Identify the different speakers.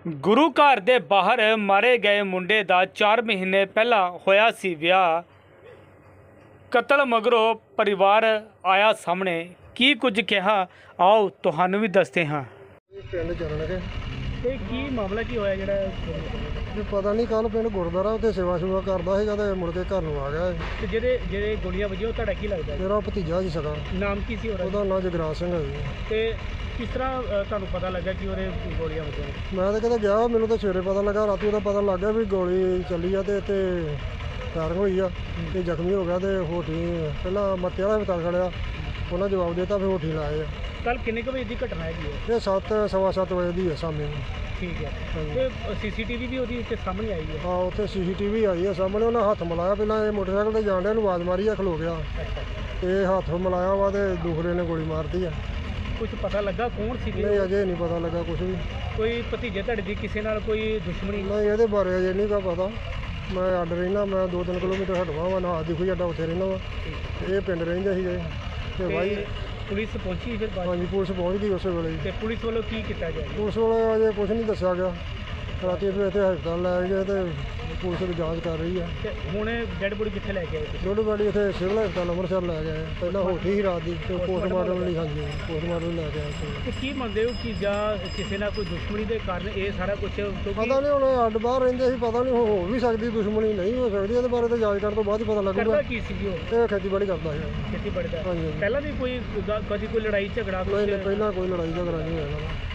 Speaker 1: ਗੁਰੂ ਘਰ ਦੇ ਬਾਹਰ ਮਾਰੇ ਗਏ ਮੁੰਡੇ ਦਾ 4 ਮਹੀਨੇ ਪਹਿਲਾਂ ਹੋਇਆ ਸੀ ਵਿਆਹ। ਕਤਲ ਮਗਰੋਂ ਪਰਿਵਾਰ ਆਇਆ ਸਾਹਮਣੇ। ਕੀ ਕੁਝ ਕਿਹਾ ਆਓ ਤੁਹਾਨੂੰ ਵੀ ਦੱਸਦੇ ਹਾਂ।
Speaker 2: ਪਿੰਡ ਚੱਲਣਗੇ
Speaker 1: ਤੇ ਕੀ ਮਾਮਲਾ ਕੀ ਹੋਇਆ ਜਿਹੜਾ
Speaker 2: ਇਹ ਪਤਾ ਨਹੀਂ ਕੱਲ ਪਿੰਡ ਗੁਰਦੁਆਰਾ ਉੱਥੇ ਸੇਵਾ ਕਰਦਾ ਸੀਗਾ ਤੇ ਮੁੜ ਕੇ ਘਰ ਨੂੰ ਆ ਗਿਆ।
Speaker 1: ਤੇ ਜਿਹੜੇ ਗੋਲੀਆਂ ਵੱਜੀਆਂ ਉਹ ਤੁਹਾਡਾ ਕੀ ਲੱਗਦਾ?
Speaker 2: ਮੇਰਾ ਭਤੀਜਾ ਜੀ ਸਗਾ।
Speaker 1: ਨਾਮ ਕੀ ਸੀ
Speaker 2: ਉਹਦਾ ਨਾਂ ਜਗਰਾਜ ਸਿੰਘ ਹੈ ਜੀ।
Speaker 1: ਤੇ ਕਿਸ ਤਰ੍ਹਾਂ ਤੁਹਾਨੂੰ ਪਤਾ ਲੱਗਾ ਕਿ ਉਹਦੇ ਗੋਲੀਆਂ ਵੱਜੀਆਂ?
Speaker 2: ਮੈਂ ਤਾਂ ਕਿਤੇ ਗਿਆ, ਮੈਨੂੰ ਤਾਂ ਸਵੇਰੇ ਪਤਾ ਲੱਗਾ, ਰਾਤੀ ਉਹਦਾ ਪਤਾ ਲੱਗ ਗਿਆ ਵੀ ਗੋਲੀ ਚੱਲੀ ਆ ਤੇ ਇੱਥੇ ਫਾਇਰਿੰਗ ਹੋਈ ਆ ਤੇ ਜ਼ਖਮੀ ਹੋ ਗਿਆ ਤੇ ਹੋਠੀ ਪਹਿਲਾਂ ਮੱਤੇ ਵਾਲਾ ਹਸਪਤਾਲ ਖੜਿਆ, ਉਹਨਾਂ ਜਵਾਬ ਦਿੱਤਾ ਫਿਰ ਹੋਠੀ ਲਾਏ ਆ।
Speaker 1: ਕੱਲ ਕਿੰਨੇ ਕੁ ਵਜੇ ਦੀ ਘਟਨਾ ਹੈਗੀ ਹੈ?
Speaker 2: ਇਹ 7:15 ਵਜੇ ਦੀ ਹੈ ਸ਼ਾਮੀ ਨੂੰ।
Speaker 1: ਠੀਕ ਹੈ। ਤੇ ਸੀਸੀਟੀਵੀ ਵੀ ਉਹਦੀ ਇੱਥੇ ਸਾਹਮਣੇ ਆਈ ਹੈ?
Speaker 2: ਹਾਂ, ਉੱਥੇ ਸੀਸੀਟੀਵੀ ਆਈ ਹੈ ਸਾਹਮਣੇ। ਉਹਨਾਂ ਹੱਥ ਮਿਲਾਇਆ, ਪਹਿਲਾਂ ਇਹ ਮੋਟਰਸਾਈਕਲ ਤੇ ਜਾਣ ਡਿਆ ਨੂੰ ਆਵਾਜ਼ ਮਾਰੀ ਆ, ਖਲੋ ਗਿਆ ਤੇ ਹੱਥ ਮਿਲਾਇਆ ਵਾ ਤੇ ਦੂਸਰੇ ਨੇ ਗੋਲੀ ਮਾਰਤੀ ਆ।
Speaker 1: ਕੁਝ ਪਤਾ ਲੱਗਾ ਕੌਣ ਸੀ?
Speaker 2: ਨਹੀਂ, ਅਜੇ ਨਹੀਂ ਪਤਾ ਲੱਗਾ ਕੁਝ ਵੀ।
Speaker 1: ਕੋਈ ਭਤੀਜੇ ਤੁਹਾਡੇ ਦੀ ਕਿਸੇ ਨਾਲ ਕੋਈ ਦੁਸ਼ਮਣੀ?
Speaker 2: ਨਹੀਂ, ਇਹਦੇ ਬਾਰੇ ਅਜੇ ਨਹੀਂ ਪਤਾ। ਮੈਂ ਅੱਡ ਰਹਿਣਾ, ਮੈਂ 2-3 ਕਿਲੋਮੀਟਰ ਹਟਵਾ ਵਾ ਨਾ, ਦਿਖੂ ਅੱਡਾ ਉੱਥੇ ਰਹਿਣਾ ਵਾ। ਇਹ ਪਿੰਡ ਰਹਿੰਦੇ ਸੀਗੇ ਤੇ ਭਾਈ
Speaker 1: ਪੁਲਿਸ ਪਹੁੰਚੀ ਫਿਰ ਬਾਅਦ?
Speaker 2: ਹਾਂਜੀ, ਪੁਲਿਸ ਪਹੁੰਚ ਗਈ ਉਸੇ ਵੇਲੇ।
Speaker 1: ਤੇ ਪੁਲਿਸ ਵੱਲੋਂ ਕੀ ਕੀਤਾ ਜਾਏ?
Speaker 2: ਪੁਲਿਸ ਵਾਲੇ ਅਜੇ ਕੁਝ ਨਹੀਂ ਦੱਸਿਆ ਗਿਆ। ਰਾਤੀ ਫਿਰ ਇੱਥੇ ਹਸਪਤਾਲ ਲੈ ਗਏ ਤੇ ਪੁਲਿਸ ਦੀ ਜਾਂਚ ਕਰ ਰਹੀ ਹੈ।
Speaker 1: ਤੇ ਹੁਣ ਡੈਡ ਬੋਡੀ ਕਿੱਥੇ ਲੈ ਕੇ ਆਏ ਤੁਸੀਂ?
Speaker 2: ਡੋਡੀ ਬਾਡੀ ਇੱਥੇ ਸਿਵਲ ਹਸਪਤਾਲ ਅੰਮ੍ਰਿਤਸਰ ਲੈ ਗਏ। ਪਹਿਲਾਂ ਹੋਠੀ ਸੀ ਰਾਤ ਦੀ ਤੇ ਪੋਸਟਮਾਰਟਮ ਲਈ, ਹਾਂਜੀ ਪੋਸਟਮਾਰਟਮ ਲੈ ਕੇ ਆਏ ਸੀ।
Speaker 1: ਤੇ ਕੀ ਮੰਨਦੇ ਹੋ ਕਿ ਜਾਂ ਕਿਸੇ ਨਾਲ ਕੋਈ ਦੁਸ਼ਮਣੀ ਦੇ ਕਾਰਨ ਇਹ ਸਾਰਾ ਕੁਝ?
Speaker 2: ਪਤਾ ਨਹੀਂ, ਹੁਣ ਅੱਡ ਬਾਹਰ ਰਹਿੰਦੇ ਸੀ, ਪਤਾ ਨਹੀਂ ਹੋ ਵੀ ਸਕਦੀ ਦੁਸ਼ਮਣੀ, ਨਹੀਂ ਹੋ ਸਕਦੀ। ਇਹਦੇ ਬਾਰੇ ਤਾਂ ਜਾਂਚ ਕਰਨ ਤੋਂ ਬਾਅਦ ਹੀ ਪਤਾ ਲੱਗੂਗਾ।
Speaker 1: ਕਰਦਾ ਕੀ ਸੀ ਉਹ?
Speaker 2: ਇਹ ਖੇਤੀਬਾੜੀ ਕਰਦਾ ਸੀ।
Speaker 1: ਖੇਤੀਬਾੜੀ ਦਾ?
Speaker 2: ਹਾਂਜੀ।
Speaker 1: ਪਹਿਲਾਂ ਵੀ ਕਦੀ ਕੋਈ ਲੜਾਈ ਝਗੜਾ?
Speaker 2: ਨਹੀਂ, ਪਹਿਲਾਂ ਕੋਈ ਲੜਾਈ ਝਗੜਾ ਨਹੀਂ ਹੋਇਆ ਇਹਨਾਂ ਦਾ।